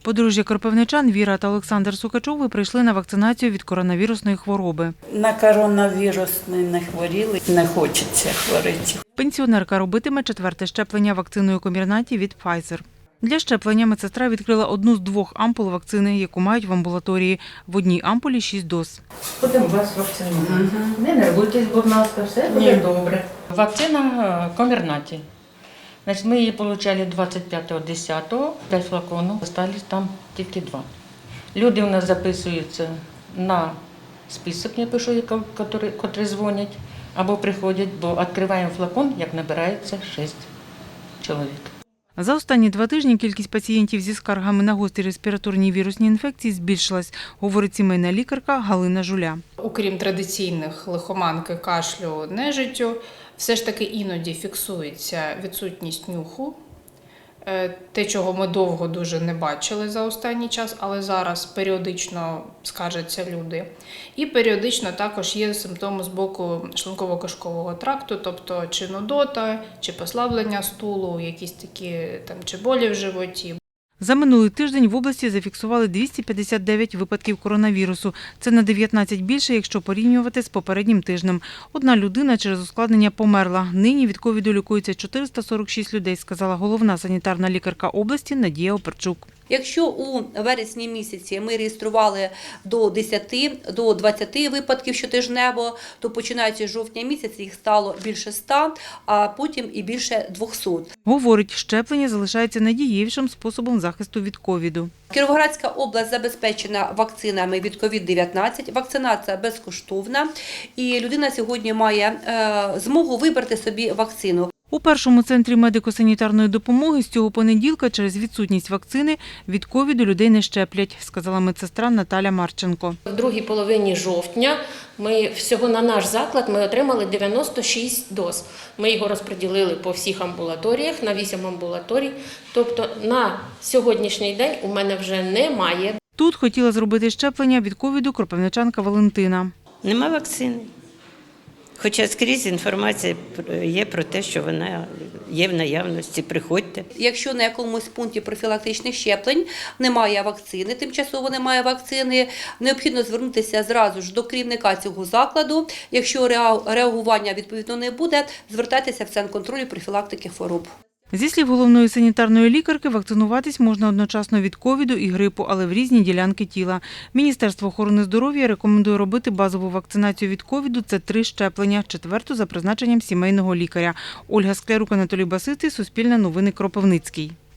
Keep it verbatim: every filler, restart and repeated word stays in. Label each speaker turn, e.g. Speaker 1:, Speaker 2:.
Speaker 1: Подружжя кропивничан Віра та Олександр Сукачови прийшли на вакцинацію від коронавірусної хвороби.
Speaker 2: На коронавірус не хворіли, не хочеться хворіти.
Speaker 1: Пенсіонерка робитиме четверте щеплення вакциною Комірнаті від Pfizer. Для щеплення медсестра відкрила одну з двох ампул вакцини, яку мають в амбулаторії. В одній ампулі шість доз.
Speaker 3: Будемо вас вакцинувати. Угу. Не нервуйтесь, будь ласка, все буде добре. Вакцина Комірнаті. Значить, ми її отримали двадцять п'ятого десятого, п'ять флаконів, залишилось там тільки два. Люди у нас записуються на список, я пишу, які дзвонять або приходять, бо відкриваємо флакон, як набирається шість чоловік.
Speaker 1: За останні два тижні кількість пацієнтів зі скаргами на гострі респіраторні вірусні інфекції збільшилась, говорить сімейна лікарка Галина Жуля.
Speaker 4: Окрім традиційних лихоманки, кашлю, нежиттю, все ж таки іноді фіксується відсутність нюху. Те, чого ми довго дуже не бачили за останній час, але зараз періодично скаржаться люди. І періодично також є симптоми з боку шлунково-кишкового тракту, тобто чи нудота, чи послаблення стулу, якісь такі там, чи болі в животі.
Speaker 1: За минулий тиждень в області зафіксували двісті п'ятдесят дев'ять випадків коронавірусу. Це на дев'ятнадцять більше, якщо порівнювати з попереднім тижнем. Одна людина через ускладнення померла. Нині від ковіду лікується чотириста сорок шість людей, сказала головна санітарна лікарка області Надія Оперчук.
Speaker 5: Якщо у вересні місяці ми реєстрували до десяти, до двадцяти випадків щотижнево, то починаючи з жовтня місяця їх стало більше ста, а потім і більше двохсот.
Speaker 1: Говорить, щеплення залишається найдієвішим способом захисту від ковіду.
Speaker 5: Кіровоградська область забезпечена вакцинами від ковід дев'ятнадцять, вакцинація безкоштовна, і людина сьогодні має е, змогу вибрати собі вакцину.
Speaker 1: У першому центрі медико-санітарної допомоги з цього понеділка через відсутність вакцини від ковіду людей не щеплять, сказала медсестра Наталя Марченко.
Speaker 6: В другій половині жовтня ми всього на наш заклад ми отримали дев'яносто шість доз. Ми його розподілили по всіх амбулаторіях, на вісім амбулаторій. Тобто на сьогоднішній день у мене вже немає.
Speaker 1: Тут хотіла зробити щеплення від ковіду кропивничанка Валентина.
Speaker 7: Нема вакцини. Хоча скрізь інформація є про те, що вона є в наявності, приходьте.
Speaker 5: Якщо на якомусь пункті профілактичних щеплень немає вакцини, тимчасово немає вакцини, необхідно звернутися зразу ж до керівника цього закладу. Якщо реагування відповідно не буде, звертайтеся в Центр контролю профілактики хвороб.
Speaker 1: Зі слів головної санітарної лікарки, вакцинуватись можна одночасно від ковіду і грипу, але в різні ділянки тіла. Міністерство охорони здоров'я рекомендує робити базову вакцинацію від ковіду – це три щеплення, четверту за призначенням сімейного лікаря. Ольга Склярук, Анатолій Басистий, Суспільне новини, Кропивницький.